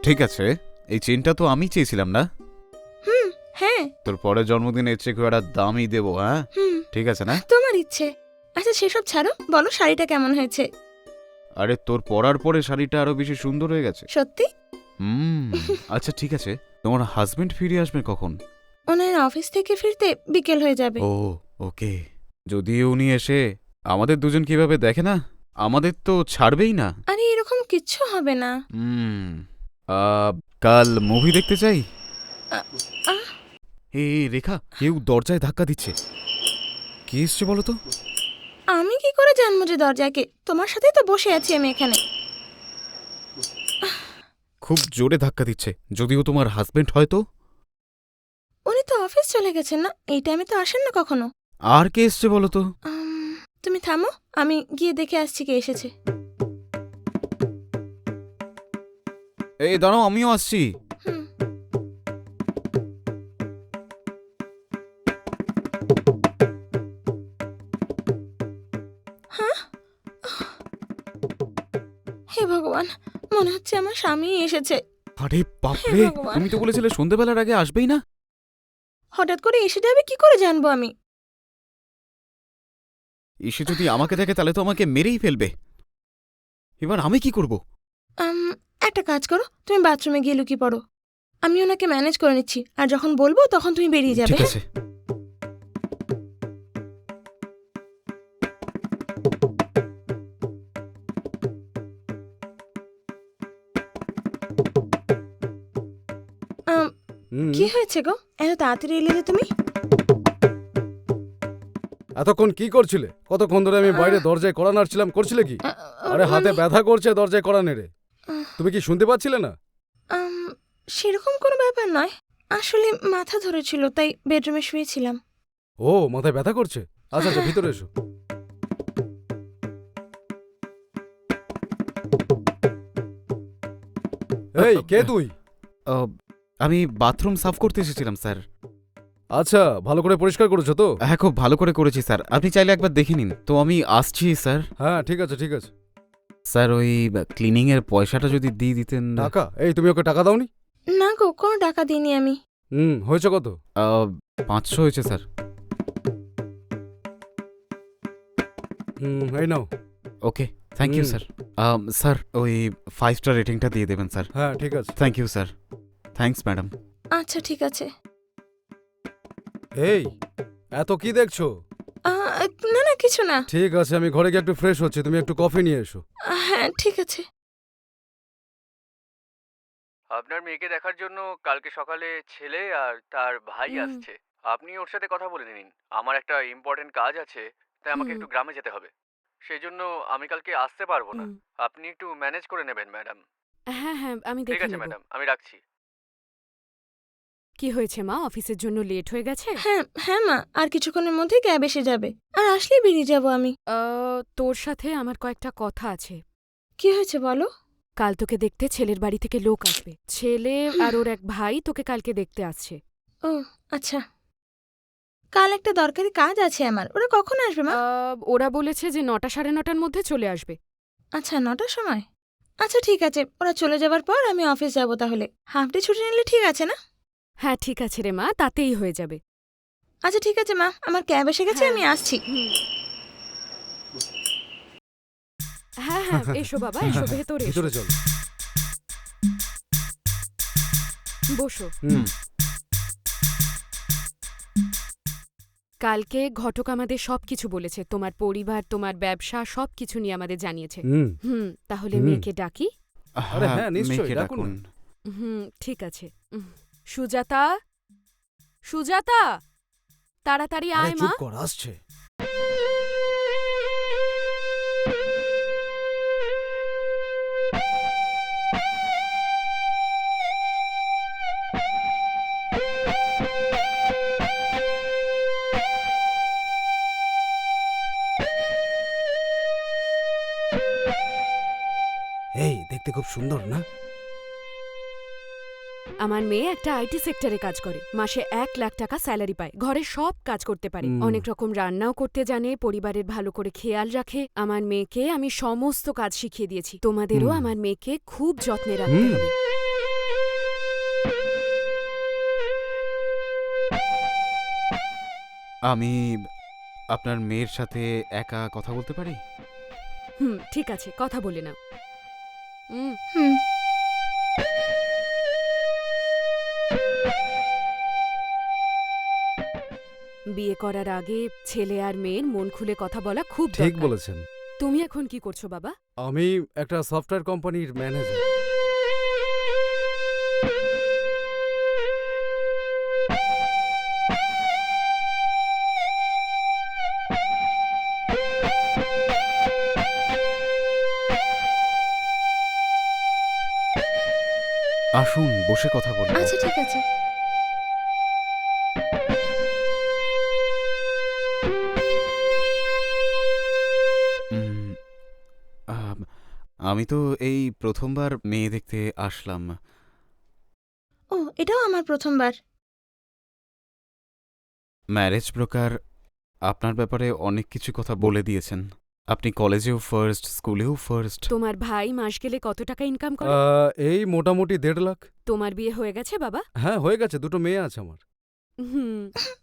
ঠিক আছে, এই চেনটা তো আমি চেয়েছিলাম না? হ্যাঁ। তোর পরের জন্মদিনে এর চেয়ে খুব একটা দামই দেবো, হ্যাঁ? ঠিক আছে না? তোমার ইচ্ছে। আচ্ছা সেসব ছাড়ো, বলো শাড়িটা কেমন হয়েছে? আরে তোর পরার পরে শাড়িটা আরো বেশি সুন্দর হয়ে গেছে। সত্যি? আচ্ছা ঠিক আছে, তোমার হাজবেন্ড ফিরে আসবে কখন? ওনার অফিস থেকে ফিরতে বিকেল হয়ে যাবে। ও ওকে। যদি উনি এসে আমাদের দুজন কিভাবে দেখে না, আমাদের তো ছাড়বেই না। আরে এরকম কিচ্ছু হবে না। কাল মুভি দেখতে চাই। আ- আহ, এ রেখা, কেউ দরজায় ধাক্কা দিচ্ছে। কি এসছে বলো তো? আমি কি করে জানবো যে দরজাকে? তোমার সাথেই তো বসে আছি আমি এখানে। খুব জোরে ধাক্কা দিচ্ছে, যদিও তোমার হাজবেন্ড হয়তো। উনি তো অফিস চলে গেছেন না, এই টাইমে তো আসেন না কখনো। আর কে এসছে বলো তো? তুমি থামো, আমি গিয়ে দেখে আসছি কে এসেছে। এই দাঁড়াও, আমিও আসছি। হুম। হ্যাঁ? হে ভগবান, মনে হচ্ছে আমার স্বামী এসেছে। আরে বাপরে, হে ভগবান। তুমি তো বলেছিলে সন্ধ্যেবেলার আগে আসবেই না। হঠাৎ করে এসে যাবে, কি করে জানবো আমি? এসে যদি আমাকে দেখে তাহলে তো আমাকে মেরেই ফেলবে। এবার আমি কি করব? একটা কাজ করো, তুমি বাথরুমে গিয়ে লুকিয়ে পড়ো। আমি ওনাকে ম্যানেজ করে নিচ্ছি, আর যখন বলবো তখন তুমি বেরিয়ে যাবে। ঠিক আছে। আম, কি হয়েছে গো, এত তাড়াতাড়ি এলে যে তুমি? এতক্ষণ কি করছিলে? কতক্ষণ ধরে আমি বাইরে দরজায় কড়া নাড়ছিলাম, করছিলে কি? আরে হাতে মানে, ব্যথা করছে দরজায় কড়া নেড়ে। তুমি কি শুনতে পাচ্ছিলে না? সেরকম কোনো ব্যাপার নয়, আসলে মাথা ধরেছিল তাই বেডরুমে শুয়েছিলাম। ও মাথায় ব্যথা করছে? আচ্ছা আচ্ছা, ভিতরে এসো। এই কে তুই? আমি বাথরুম সাফ করতে এসেছিলাম স্যার। আচ্ছা, ভালো করে পরিষ্কার করেছো তো? হ্যাঁ, খুব ভালো করে করেছি স্যার, আপনি চাইলে একবার দেখে নিন। তো আমি আসছি স্যার। হ্যাঁ ঠিক আছে ঠিক আছে। স্যার ওই ক্লিনিং এর পয়সাটা যদি দিয়ে দিতেন। টাকা? এই তুমি ওকে টাকা দাওনি? না গো, কোনো টাকা দিইনি আমি। হয়েছে কত? 500 হয়েছে স্যার। এই নাও। Okay, thank you sir. Sir ওই 5 স্টার রেটিংটা দিয়ে দেবেন স্যার। হ্যাঁ ঠিক আছে। Thank you sir. Thanks madam. আচ্ছা ঠিক আছে। এই এত কি দেখছো? না না, কিছু না। ঠিক আছে, আমি ঘরে গিয়ে একটু ফ্রেশ হচ্ছি, তুমি একটু কফি নিয়ে এসো। হ্যাঁ ঠিক আছে। আপনার মেয়েকে দেখার জন্য কালকে সকালে ছেলে আর তার ভাই আসছে। আপনি ওর সাথে কথা বলে নিন। আমার একটা ইম্পর্টেন্ট কাজ আছে, তাই আমাকে একটু গ্রামে যেতে হবে। সেই জন্য আমি কালকে আসতে পারবো না। আপনি একটু ম্যানেজ করে নেবেন ম্যাডাম। হ্যাঁ হ্যাঁ, আমি ঠিক দেখে আছে নেব। ম্যাডাম, আমি রাখছি। কি হয়েছে মা, অফিসের জন্য লেট হয়ে গেছে? হ্যাঁ হ্যাঁ মা, আর কিছুক্ষণের মধ্যেই ক্যাব এসে যাবে, আর আসলেই বেরিয়ে যাব আমি। তোর সাথে আমার কয়েকটা কথা আছে। কি হয়েছে বলো? কাল তোকে দেখতে ছেলের বাড়ি থেকে লোক আসবে। ছেলে আর ওর এক ভাই তোকে কালকে দেখতে আসছে। ও আচ্ছা, কাল একটা দরকারি কাজ আছে আমার। ওরা কখন আসবে মা? ওরা বলেছে যে 9টা সাড়ে 9টার মধ্যে চলে আসবে। আচ্ছা 9টার সময়। আচ্ছা ঠিক আছে, ওরা চলে যাবার পর আমি অফিস যাব তাহলে। হাফ ডে ছুটি নিলে ঠিক আছে না? হ্যাঁ ঠিক আছে রে মা, তাতেই হয়ে যাবে। আচ্ছা ঠিক আছে মা, আমার ক্যাব এসে গেছে, হ্যাঁ। আমি আসছি। হ্যাঁ হ্যাঁ, এসো বাবা, এসো ভেতরে এসো। ভিতরে চলো। বসো। কালকে ঘটক আমাদের সবকিছু বলেছে, তোমার পরিবার, তোমার ব্যবসা সবকিছু নিয়ে আমাদের জানিয়েছে। তাহলে মেয়েকে ডাকি? আরে হ্যাঁ, নিশ্চয়ই, মেয়েকে ডাকুন ডাকুন। ঠিক আছে। সুজাতা, সুজাতা, তাড়াতাড়ি আরে আয় মা। চুপ কর, আসছে। এই দেখতে খুব সুন্দর না? আমার মেয়ে একটা আইটি সেক্টরে কাজ করে, মাসে 1 লাখ টাকা স্যালারি পায়, ঘরে সব কাজ করতে পারে, অনেক রকম রান্নাও করতে জানে, পরিবারের ভালো করে খেয়াল রাখে। আমার মেয়েকে আমি সমস্ত কাজ শিখিয়ে দিয়েছি। তোমাদেরও আমার মেয়েকে খুব যত্নে রাখতে হবে। আমি আপনার মেয়ের সাথে একা কথা বলতে পারি? ঠিক আছে, কথা বলে নাও। হুম। বিয়ে করার আগে ছেলে আর মেয়ের মন খুলে কথা বলা খুব ঠিক দরকার। বলেছেন। তুমি এখন কি করছো বাবা? আমি একটা সফটওয়্যার কোম্পানির ম্যানেজার। আসুন, বসে কথা বলবো। আচ্ছা ঠিক আছে। উম, আমি তো এই প্রথমবার মেয়ে দেখতে আসলাম। ও, এটাও আমার প্রথমবার। ম্যারেজ ব্রোকার আপনার ব্যাপারে অনেক কিছু কথা বলে দিয়েছেন। আপনি কলেজেও ফার্স্ট, স্কুলেও ফার্স্ট। তোমার ভাই মাস গেলে কত টাকা ইনকাম করে? এই মোটামুটি 1.5 লাখ। তোমার বিয়ে হয়ে গেছে বাবা? হ্যাঁ, হয়ে গেছে, 2টো মেয়ে আছে আমার। হুম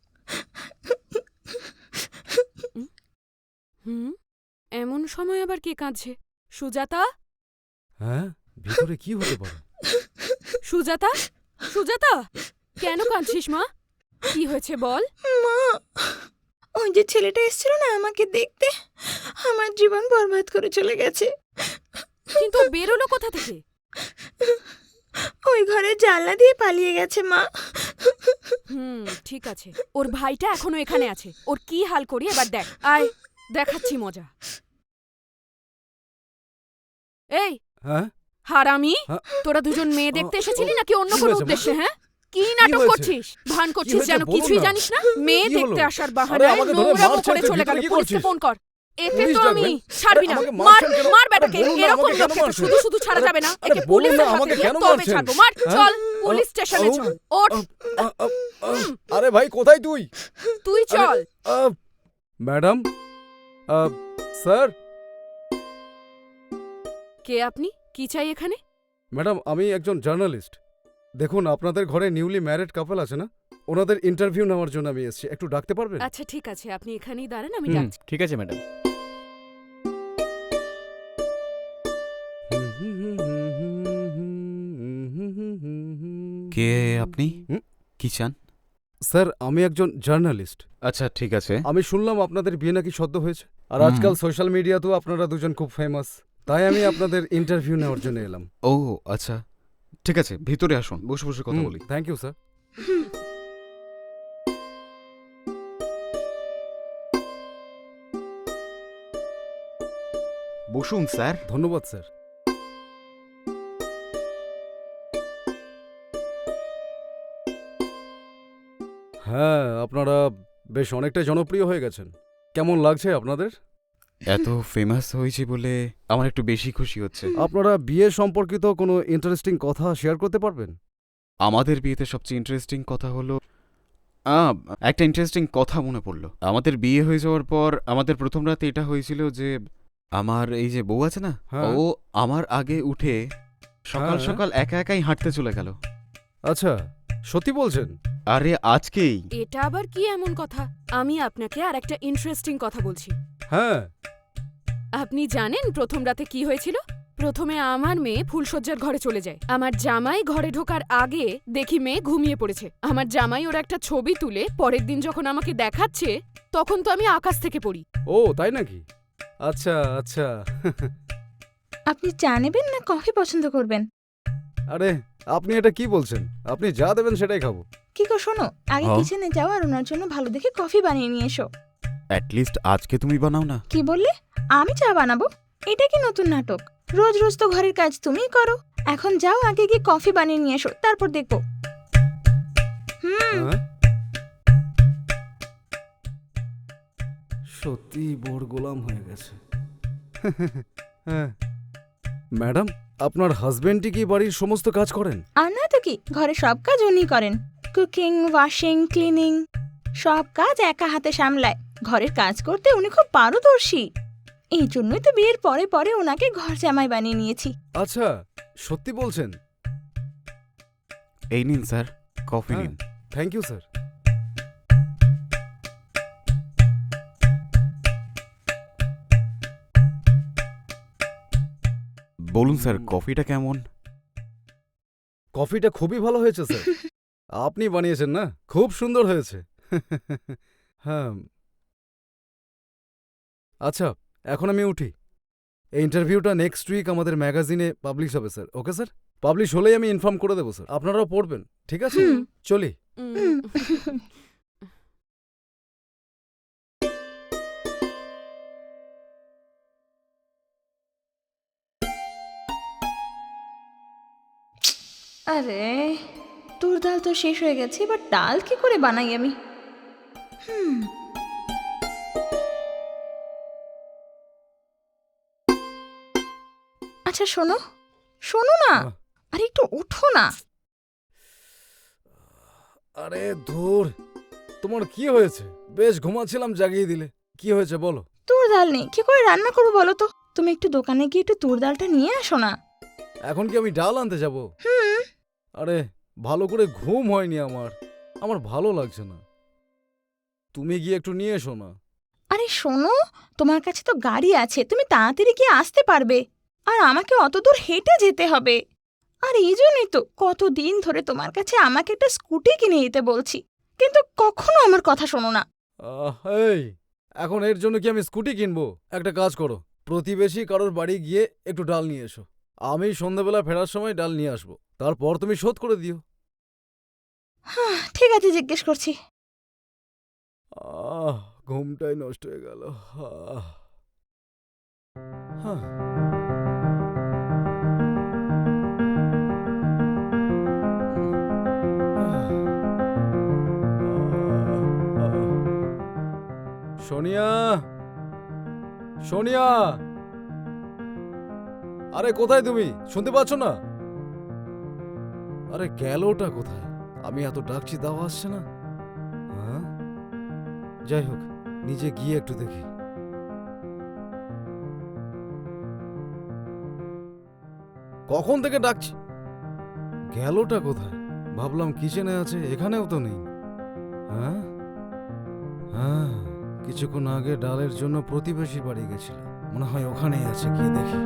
হুম এমন সময় আবার কে কাঁদছে? সুজাতা, হ্যাঁ, ভিতরে কি হতে পারে? সুজাতা, সুজাতা, কেন কাঁদছিস মা? কি হয়েছে বল? মা, ওই যে ছেলেটা এসেছিল না আমাকে দেখতে, আমার জীবন বরবাদ করে চলে গেছে। কিন্তু ও বেরোলো কোথা থেকে? ওই ঘরে জানলা দিয়ে পালিয়ে গেছে মা। ঠিক আছে, ওর ভাইটা এখনো এখানে আছে। ওর কি হাল করি এবার দেখ। আয়, দেখাচ্ছি মজা। এই হ্যাঁ, হারামি, হ্যাঁ? তোরা দুজন মেয়ে দেখতে এসেছিলি নাকি অন্য কি কোনো হয়েছে, মা? উদ্দেশ্যে? হ্যাঁ, কি নাটক হয়েছে? করছিস? ভান করছিস হয়েছে? যেন বলুন কিছুই না। জানিস না। মেয়ে কি দেখতে হলো? আসার আরে, বাহানায় আমাকে ধরে নোংরামো মারছেন, করে তুই চলে গেল। ভিতরে কি পুলিশকে করছিস? ফোন কর। এতে পুলিশ তো আমি ডাকবেন? ছাড়বি আরে, না। আমাকে মার, মারছেন কেন? মার আরে, বেটাকে। বলুন না, এরকম আমাকে কেন লোককে তো মারছেন? শুধু শুধু ছাড়া আরে, যাবে না। আরে, একে বলুন পুলিশের না, হাতে আমাকে দিয়ে কেন তবে মারছেন? ছাড়বো। মার, হ্যাঁ? চল পুলিশ স্টেশনে চল। ওঠ, আরে ভাই, কোথায় তুই? তুই চল। Madam, sir. কে আপনি? কি চাই এখানে? ম্যাডাম, আমি একজন জার্নালিস্ট। দেখুন, আপনাদের ঘরে নিউলি ম্যারিড কাপল আছে না, ওনাদের ইন্টারভিউ নেওয়ার জন্য আমি এসেছি। একটু ডাকতে পারবেন? আচ্ছা ঠিক আছে, আপনি এখানেই দাঁড়ান, আমি হুম, ডাকছি। ঠিক আছে ম্যাডাম। কে আপনি? হুম? কি চান? স্যার, আমি একজন জার্নালিস্ট। আচ্ছা, ঠিক আছে। আমি শুনলাম আপনাদের বিয়ে নাকি সদ্য হয়েছে, আর হুম। আজকাল সোশ্যাল মিডিয়াতেও আপনারা দুজন খুব ফেমাস। তাই আমি আপনাদের ইন্টারভিউ নেওয়ার জন্য এলাম। ও আচ্ছা, ঠিক আছে, ভিতরে আসুন, বসে বসে কথা বলি। Thank you sir. বসুন স্যার। ধন্যবাদ স্যার। হ্যাঁ, আপনারা বেশ অনেকটাই জনপ্রিয় হয়ে গেছেন। কেমন লাগছে আপনাদের? এত ফেমাস হয়েছে বলে আমার একটু বেশি খুশি হচ্ছে। আপনারা বিয়ে সম্পর্কিত কোনো ইন্টারেস্টিং কথা শেয়ার করতে পারবেন? আমাদের বিয়েতে সবচেয়ে ইন্টারেস্টিং কথা হলো একটা ইন্টারেস্টিং কথা মনে পড়লো। আমাদের বিয়ে হয়ে যাওয়ার পর আমাদের প্রথম রাতে এটা হয়েছিল যে আমার এই যে বউ আছে না, হ্যাঁ। ও আমার আগে উঠে সকাল হ্যাঁ। সকাল একা একাই হাঁটতে চলে গেল। আচ্ছা, সত্যি বলছেন? আরে আজকেই। এটা আবার কি এমন কথা? আমি আপনাকে আর একটা ইন্টারেস্টিং কথা বলছি। হ্যাঁ। আপনি জানেন প্রথম রাতে কি হয়েছিল? প্রথমে আমার মেয়ে ফুলশয্যার ঘরে চলে যায়। আমার জামাই ঘরে ঢোকার আগে দেখি মেয়ে ঘুমিয়ে পড়েছে। আমার জামাই ওর একটা ছবি তুলে পরের দিন যখন আমাকে দেখাচ্ছে, তখন তো আমি আকাশ থেকে পড়ি। ও তাই নাকি? আচ্ছা আচ্ছা। আপনি চা নেবেন না কফি পছন্দ করবেন? আরে, আপনি এটা কি বলছেন? আপনি যা দেবেন সেটাই খাবো। কি গো শোনো, আগে হ্যাঁ? কিচেনে যাও আর ওনার জন্য ভালো দেখে কফি বানিয়ে নিয়ে এসো। অ্যাটলিস্ট আজকে তুমি বানাও না। কি বললে? আমি চা বানাবো? এটা কি নতুন নাটক? রোজ রোজ তো ঘরের কাজ তুমিই করো। এখন যাও, আগে গিয়ে কফি বানিয়ে নিয়ে এসো, তারপর দেখবো। হ্যাঁ? সত্যি বড় গোলাম হয়ে গেছে। হ্যাঁ। ম্যাডাম, আপনার হাজবেন্ডই কি বাড়ির সমস্ত কাজ করেন? আর না তো কি, ঘরে সব কাজ উনি করেন। কুকিং, ওয়াশিং, ক্লিনিং, সব কাজ একা হাতে সামলায়। ঘরের কাজ করতে উনি খুব পারদর্শী। এই জন্যই তো বিয়ের পরে পরে ওনাকে ঘর জামাই বানিয়ে নিয়েছি। আচ্ছা, সত্যি বলছেন? এই নিন স্যার, কফি হ্যাঁ। নিন। Thank you sir. বলুন স্যার কফিটা কেমন? কফিটা খুবই ভালো হয়েছে স্যার। আপনি বানিয়েছেন না? খুব সুন্দর হয়েছে। হ্যাঁ। আচ্ছা, এখন আমি উঠি। এই ইন্টারভিউটা নেক্সট উইক আমাদের ম্যাগাজিনে পাবলিশ হবে স্যার। Okay sir? পাবলিশ হলেই আমি ইনফর্ম করে দেবো স্যার। আপনারাও পড়বেন, ঠিক আছে? হুম। চলি। উম, আরে তুর ডাল তো শেষ হয়ে গেছে, এবার ডাল কি করে বানাই আমি? হুম। আচ্ছা শোনো, শোনো না, আহ। আরে একটু উঠো না। আরে ধুর, তোমার কি হয়েছে? বেশ ঘুমাচ্ছিলাম, জাগিয়ে দিলে। কি হয়েছে বলো? তুর ডাল নেই, কি করে রান্না করবো বলো তো? তুমি একটু দোকানে গিয়ে একটু তুর ডালটা নিয়ে আসো না। এখন কি আমি ডাল আনতে যাব? হুম। আরে ভালো করে ঘুম হয়নি আমার, আমার ভালো লাগছে না। তুমি গিয়ে একটু নিয়ে এসো না। আরে শোনো, তোমার কাছে তো গাড়ি আছে, তুমি তাড়াতাড়ি গিয়ে আসতে পারবে। আর আমাকে অত দূর হেঁটে যেতে হবে। আর এই জন্যই তো কতদিন ধরে তোমার কাছে আমাকে একটা স্কুটি কিনে দিতে বলছি, কিন্তু কখনো আমার কথা শোনো না। এই, এখন এর জন্য কি আমি স্কুটি কিনবো? একটা কাজ করো, প্রতিবেশী কারোর বাড়ি গিয়ে একটু ডাল নিয়ে এসো। আমি সন্ধ্যাবেলা ফেরার সময় ডাল নিয়ে আসবো, তারপর তুমি শোধ করে দিও। ঠিক আছে, জিজ্ঞেস করছি। ঘুমটাই নষ্ট হয়ে গেল। হ্যাঁ। সোনিয়া, সোনিয়া, আরে কোথায় তুমি? শুনতে পাচ্ছ না? আরে গেলটা কোথায়? আমি এত ডাকছি তাও আসছে না। হ্যাঁ, যাই হোক, নিজে গিয়ে একটু দেখি। কখন থেকে ডাকছি, গেলটা কোথায়? ভাবলাম কিচেনে আছে, এখানেও তো নেই। হ্যাঁ হ্যাঁ, কিছুক্ষণ আগে ডালের জন্য প্রতিবেশী বাড়ি গেছিল, মনে হয় ওখানেই আছে, গিয়ে দেখি।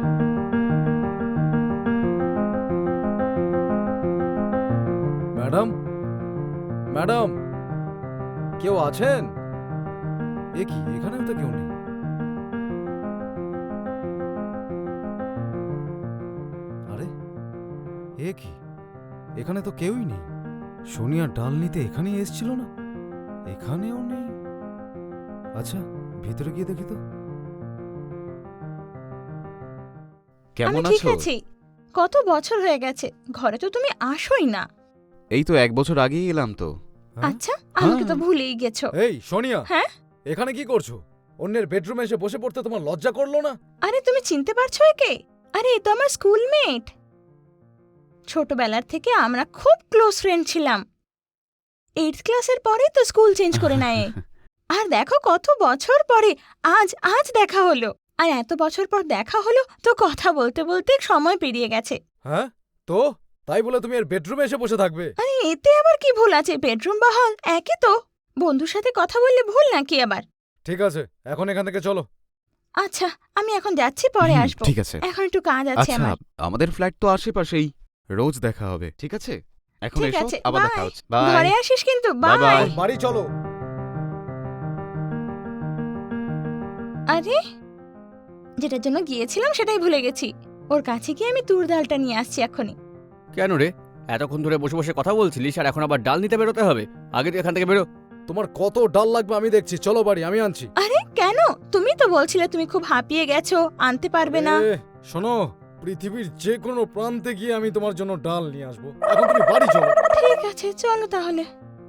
ম্যাডাম, ম্যাডাম, কেউ আছেন? এ কি, এখানেও তো কেউ নেই। আরে এ কি, এখানে তো কেউই নেই। সোনিয়া ডাল নিতে এখানেই এসেছিল না, এখানেও নেই। আচ্ছা, ভিতরে গিয়ে দেখি তো। আমি কেমন ঠিক আছো? আছি। কত বছর হয়ে গেছে, ঘরে তো তুমি আসোই না। এই তো 1 বছর আগেই এলাম তো। হ্যাঁ? আচ্ছা, আমাকে তো হ্যাঁ। ভুলেই গেছো। এই সোনিয়া, হ্যাঁ? এখানে কি করছো? অন্যের বেডরুমে এসে বসে পড়তে তোমার লজ্জা করলো না? আরে তুমি চিনতে পারছো একে? আরে এ তো আমার স্কুলমেট। ছোটবেলার থেকে আমরা খুব ক্লোজ ফ্রেন্ড ছিলাম। 8th ক্লাসের পরেই তো স্কুল চেঞ্জ করে নেয়। আর দেখো কত বছর পরে আজ আজ দেখা হলো। আর এত বছর পর দেখা হলো তো কথা বলতে বলতে সময় পেরিয়ে গেছে। হ্যাঁ, তো তাই বলে তুমি এর বেডরুমে এসে বসে থাকবে? আরে এতে আবার কি ভুল আছে? বেডরুম বা হল একই তো। বন্ধুর সাথে কথা বললে ভুল নাকি আবার? ঠিক আছে, এখন এখান থেকে চলো। আচ্ছা, আমি এখন যাচ্ছি, পরে হুম, আসবো। ঠিক আছে। এখন একটু কাজ আছে আচ্ছা, আমার। আমাদের ফ্ল্যাট তো আশেপাশেই, রোজ দেখা হবে, ঠিক আছে? এখন ঠিক এসো, আছে, আবার বাই। দেখা হচ্ছে। বাই। ঘরে আসিস কিন্তু, বাই বাই। বাই। বাড়ি চলো। আরে যেটার জন্য গিয়েছিলাম সেটাই ভুলে গেছি। ওর কাছে গিয়ে আমি তুর ডালটা নিয়ে আসছি এখনই। কেন রে, এতক্ষণ ধরে বসে বসে কথা বলছিলিস আর এখন আবার ডাল নিতে বেরোতে হবে? আগে তুই এখান থেকে বেরো। তোমার কত ডাল লাগবে আমি দেখছি, চলো বাড়ি, আমি আনছি। আরে কেন? তুমি তো বলছিলে তুমি খুব হাঁপিয়ে গেছো, আনতে পারবে না। এ, শোনো, পৃথিবীর যে কোনো প্রান্তে গিয়ে আমি তোমার জন্য ডাল নিয়ে আসবো। এখন তুমি বাড়ি চলো। ঠিক আছে, চলো তাহলে।